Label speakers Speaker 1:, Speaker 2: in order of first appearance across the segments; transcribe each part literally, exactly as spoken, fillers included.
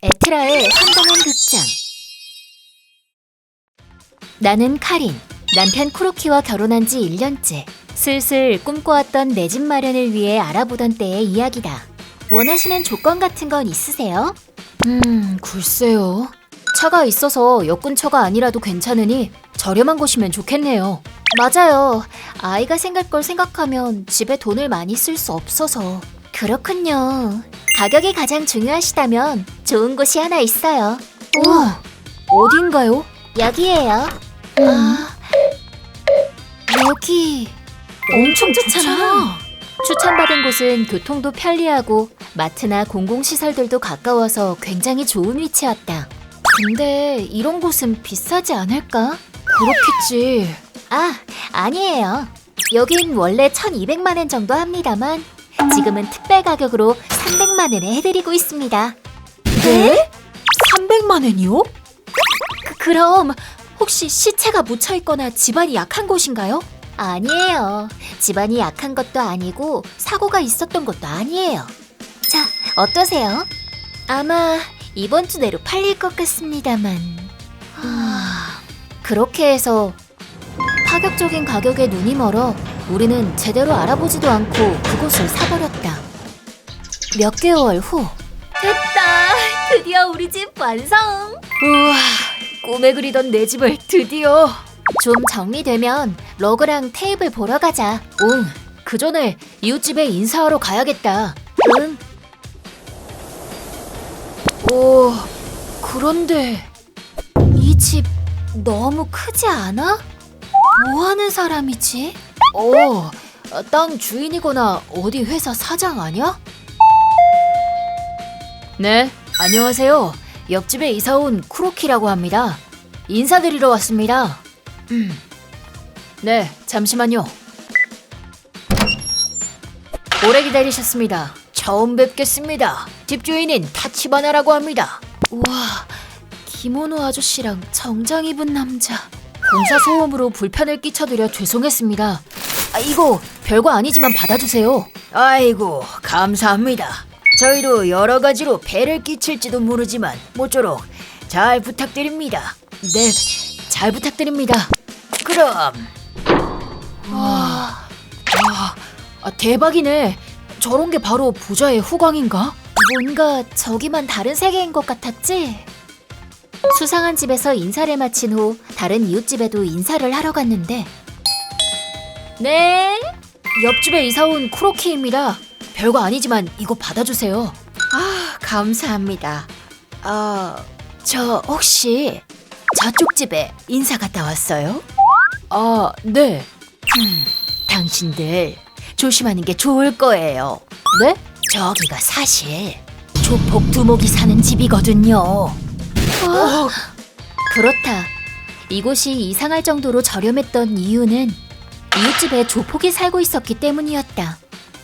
Speaker 1: 에트라의 황당한 극장. 나는 카린, 남편 쿠로키와 결혼한 지 일 년째. 슬슬 꿈꿔왔던 내 집 마련을 위해 알아보던 때의 이야기다. 원하시는 조건 같은 건 있으세요? 음, 글쎄요. 차가 있어서 역 근처가 아니라도 괜찮으니 저렴한 곳이면 좋겠네요. 맞아요. 아이가 생길 걸 생각하면 집에 돈을 많이 쓸 수 없어서. 그렇군요. 가격이 가장 중요하시다면 좋은 곳이 하나 있어요. 우와, 어딘가요? 여기예요. 음. 아, 여기 엄청 좋잖아. 추천받은 곳은 교통도 편리하고 마트나 공공시설들도 가까워서 굉장히 좋은 위치였다. 근데 이런 곳은 비싸지 않을까? 그렇겠지. 아, 아니에요. 여긴 원래 천이백만 원 정도 합니다만 지금은 특별 가격으로 삼백만 원에 해드리고 있습니다. 네? 삼백만 원이요? 그, 그럼 혹시 시체가 묻혀있거나 집안이 약한 곳인가요? 아니에요. 집안이 약한 것도 아니고 사고가 있었던 것도 아니에요. 자, 어떠세요? 아마 이번 주 내로 팔릴 것 같습니다만. 하... 그렇게 해서 파격적인 가격에 눈이 멀어 우리는 제대로 알아보지도 않고 그곳을 사버렸다. 몇 개월 후. 됐다! 드디어 우리 집 완성! 우와, 꿈에 그리던 내 집을 드디어! 좀 정리되면 러그랑 테이블 보러 가자. 응, 그 전에 이웃집에 인사하러 가야겠다. 응. 오, 그런데 이 집 너무 크지 않아? 뭐 하는 사람이지? 어, 땅 주인이거나 어디 회사 사장 아니야? 네, 안녕하세요. 옆집에 이사온 쿠로키라고 합니다. 인사드리러 왔습니다. 음. 네, 잠시만요. 오래 기다리셨습니다. 처음 뵙겠습니다. 집주인인 타치바나라고 합니다. 우와, 기모노 아저씨랑 정장 입은 남자. 공사 소음으로 불편을 끼쳐드려 죄송했습니다. 아, 이거 별거 아니지만 받아주세요. 아이고, 감사합니다. 저희도 여러 가지로 배를 끼칠지도 모르지만 모쪼록 잘 부탁드립니다. 네, 잘 부탁드립니다. 그럼. 와, 와, 아, 대박이네. 저런 게 바로 부자의 후광인가? 뭔가 저기만 다른 세계인 것 같았지? 수상한 집에서 인사를 마친 후 다른 이웃집에도 인사를 하러 갔는데. 네? 옆집에 이사온 쿠로키입니다. 별거 아니지만 이거 받아주세요. 아, 감사합니다. 아, 저 혹시 저쪽 집에 인사 갔다 왔어요? 아, 네. 음, 당신들 조심하는 게 좋을 거예요. 네? 저기가 사실 조폭 두목이 사는 집이거든요. 어, 그렇다. 이곳이 이상할 정도로 저렴했던 이유는 이웃집에 조폭이 살고 있었기 때문이었다.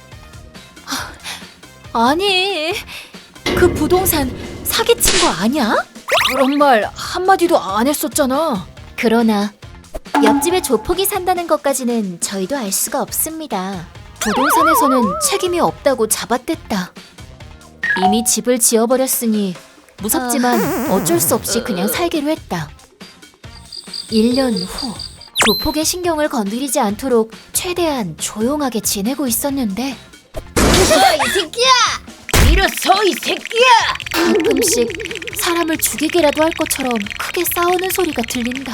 Speaker 1: 아니, 그 부동산 사기친 거 아니야? 그런 말 한마디도 안 했었잖아. 그러나 옆집에 조폭이 산다는 것까지는 저희도 알 수가 없습니다. 부동산에서는 책임이 없다고 잡아댔다. 이미 집을 지어버렸으니 무섭지만 어쩔 수 없이 그냥 살기로 했다. 일 년 후, 조폭의 신경을 건드리지 않도록 최대한 조용하게 지내고 있었는데.
Speaker 2: 이 새끼야! 일어서 이 새끼야!
Speaker 1: 가끔씩 사람을 죽이기라도 할 것처럼 크게 싸우는 소리가 들린다.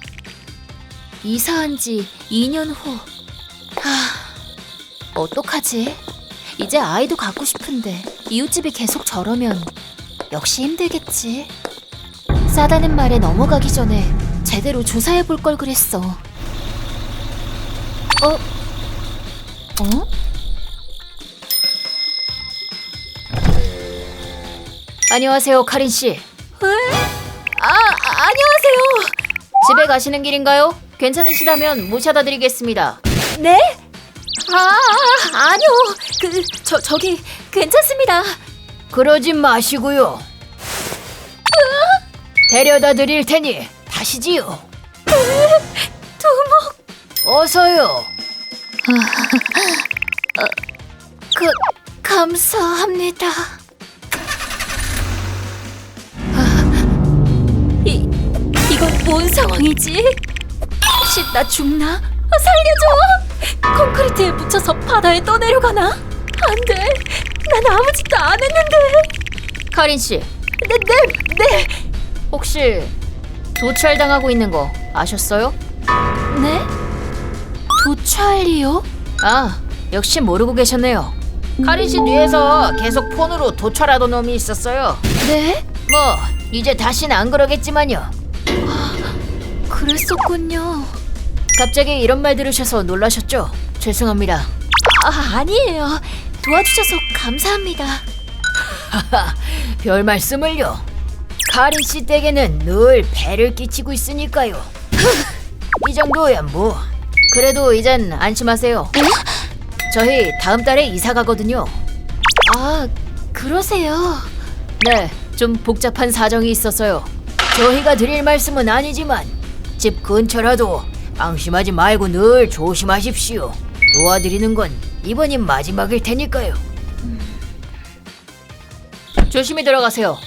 Speaker 1: 이사한 지 이 년 후. 하, 어떡하지? 이제 아이도 갖고 싶은데 이웃집이 계속 저러면 역시 힘들겠지. 싸다는 말에 넘어가기 전에 제대로 조사해볼 걸 그랬어. 어? 어? 안녕하세요, 카린 씨. 에? 아, 아, 안녕하세요. 집에 가시는 길인가요? 괜찮으시다면 모셔다 드리겠습니다. 네? 아, 아니요. 그, 저, 저기, 괜찮습니다.
Speaker 2: 그러지 마시고요. 데려다 드릴 테니 타시지요.
Speaker 1: 두목.
Speaker 2: 어서요.
Speaker 1: 그, 감사합니다. 뭔 상황이지? 혹시 나 죽나? 살려줘! 콘크리트에 묻혀서 바다에 떠내려가나? 안 돼! 난 아무 짓도 안 했는데! 카린 씨. 네, 네, 네! 혹시 도찰당하고 있는 거 아셨어요? 네? 도찰이요? 아, 역시 모르고 계셨네요. 카린 씨 뒤에서 계속 폰으로 도찰하던 놈이 있었어요. 네? 뭐 이제 다시는 안 그러겠지만요. 아, 그랬었군요. 갑자기 이런 말 들으셔서 놀라셨죠? 죄송합니다. 아, 아니에요. 도와주셔서 감사합니다. 하하, 별 말씀을요. 카린 씨 댁에는 늘 배를 끼치고 있으니까요. 이 정도야 뭐. 그래도 이젠 안심하세요. 응? 저희 다음 달에 이사 가거든요. 아, 그러세요? 네, 좀 복잡한 사정이 있어서요. 저희가 드릴 말씀은 아니지만 집 근처라도 방심하지 말고 늘 조심하십시오. 도와드리는 건 이번이 마지막일 테니까요. 음. 조심히 들어가세요.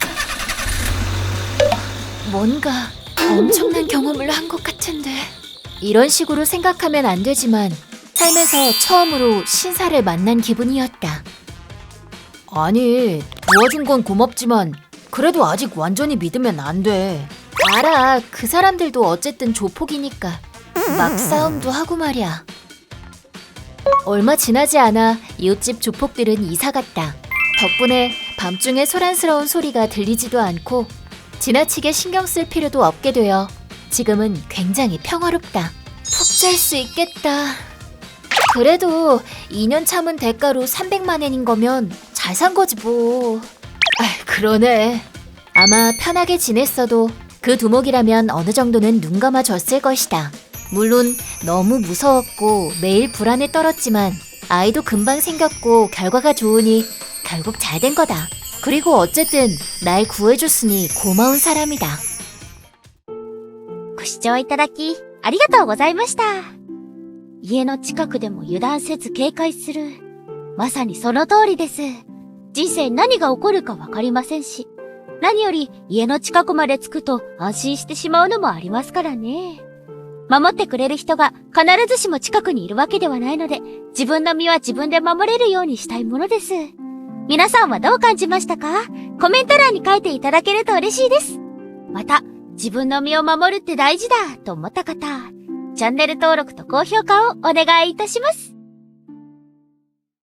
Speaker 1: 뭔가 엄청난 경험을 한 것 같은데. 이런 식으로 생각하면 안 되지만 삶에서 처음으로 신사를 만난 기분이었다. 아니, 도와준 건 고맙지만 그래도 아직 완전히 믿으면 안 돼. 알아, 그 사람들도 어쨌든 조폭이니까. 막 싸움도 하고 말이야. 얼마 지나지 않아 이웃집 조폭들은 이사 갔다. 덕분에 밤중에 소란스러운 소리가 들리지도 않고 지나치게 신경 쓸 필요도 없게 되어 지금은 굉장히 평화롭다. 푹 잘 수 있겠다. 그래도 이 년 참은 대가로 삼백만 엔인 거면 잘 산 거지 뭐. 아, 그러네. 아마 편하게 지냈어도 그 두목이라면 어느 정도는 눈 감아줬을 것이다. 물론 너무 무서웠고 매일 불안에 떨었지만 아이도 금방 생겼고 결과가 좋으니 결국 잘 된 거다. 그리고 어쨌든 날 구해줬으니 고마운 사람이다.
Speaker 3: ご視聴いただき、ありがとうございました。家の近くでも油断せず警戒する。まさにその通りです。人生何が起こるかわかりませんし、何より家の近くまで着くと安心してしまうのもありますからね。守ってくれる人が必ずしも近くにいるわけではないので、自分の身は自分で守れるようにしたいものです。皆さんはどう感じましたか？コメント欄に書いていただけると嬉しいです。また、自分の身を守るって大事だと思った方、チャンネル登録と高評価をお願いいたします。